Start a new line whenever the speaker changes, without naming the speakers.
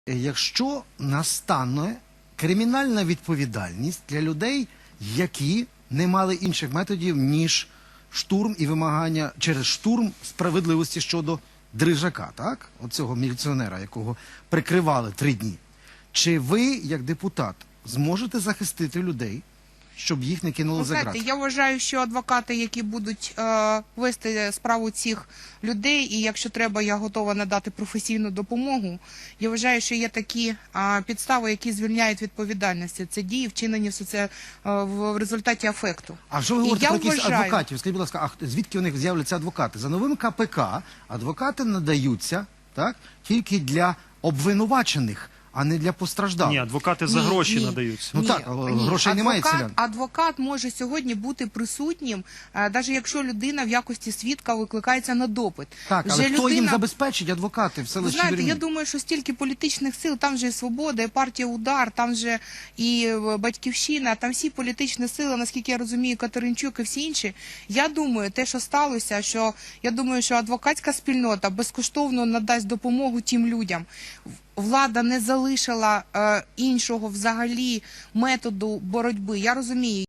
Якщо настане кримінальна відповідальність для людей, які не мали інших методів, ніж штурм і вимагання через штурм справедливості щодо Дрижака, так? Оцього міліціонера, якого прикривали 3 дні. Чи ви, як депутат, зможете захистити людей, щоб їх не кинули за ґрати?
Я вважаю, що адвокати, які будуть вести справу цих людей, і якщо треба, я готова надати професійну допомогу. Я вважаю, що є такі підстави, які звільняють відповідальності. Це дії, вчинені в результаті афекту.
А що ви говорите про якісь адвокатів? Скажіть, будь ласка, а звідки у них з'являться адвокати? За новим КПК адвокати надаються, так, тільки для обвинувачених, а не для постраждалих.
Ні, адвокати за гроші надаються.
Ну так, грошей немає селян.
Адвокат може сьогодні бути присутнім, навіть якщо людина в якості свідка викликається на допит.
Так, але хто їм забезпечить адвокати в селищі Вірні?
Знаєте, я думаю, що стільки політичних сил, там же і «Свобода», і партія «Удар», там же і «Батьківщина», там всі політичні сили, наскільки я розумію, Катеринчук і всі інші. Я думаю, те, що сталося, я думаю, що адвокатська спільнота безкоштовно надасть допомогу тим людям. Влада не залишила іншого взагалі методу боротьби. Я розумію.